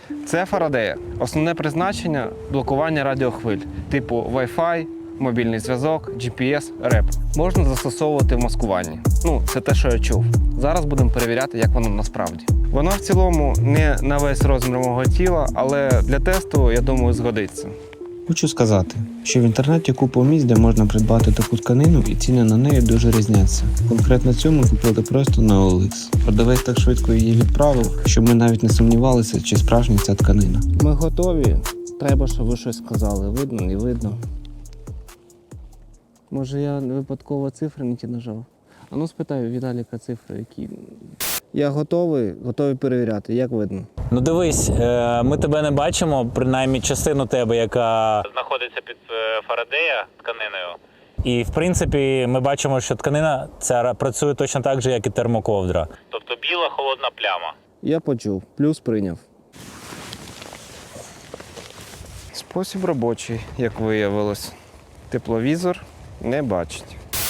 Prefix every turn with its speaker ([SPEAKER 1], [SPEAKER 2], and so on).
[SPEAKER 1] Це Фарадея. Основне призначення – блокування радіохвиль, типу Wi-Fi, мобільний зв'язок, GPS, РЕП. Можна застосовувати в маскуванні. Це те, що я чув. Зараз будемо перевіряти, як воно насправді. Воно в цілому не на весь розмір мого тіла, але для тесту, я думаю, згодиться.
[SPEAKER 2] Хочу сказати, що в інтернеті купа місць, де можна придбати таку тканину, і ціни на неї дуже різняться. Конкретно цю ми купили просто на OLX. Продавець так швидко її відправив, що ми навіть не сумнівалися, чи справжня ця тканина.
[SPEAKER 1] Ми готові. Треба, щоб ви щось сказали. Видно, не видно. Може, я випадково цифри не ті нажав? Спитаю Віталіка цифри, які. Я готовий перевіряти. Як видно?
[SPEAKER 3] Дивись, ми тебе не бачимо, принаймні частину тебе, яка
[SPEAKER 4] Знаходиться під Фарадея тканиною.
[SPEAKER 3] І, в принципі, ми бачимо, що тканина ця працює точно так же, як і термоковдра.
[SPEAKER 4] Тобто біла холодна пляма.
[SPEAKER 1] Я почув. Плюс прийняв. Спосіб робочий, як виявилось. Тепловізор не бачить.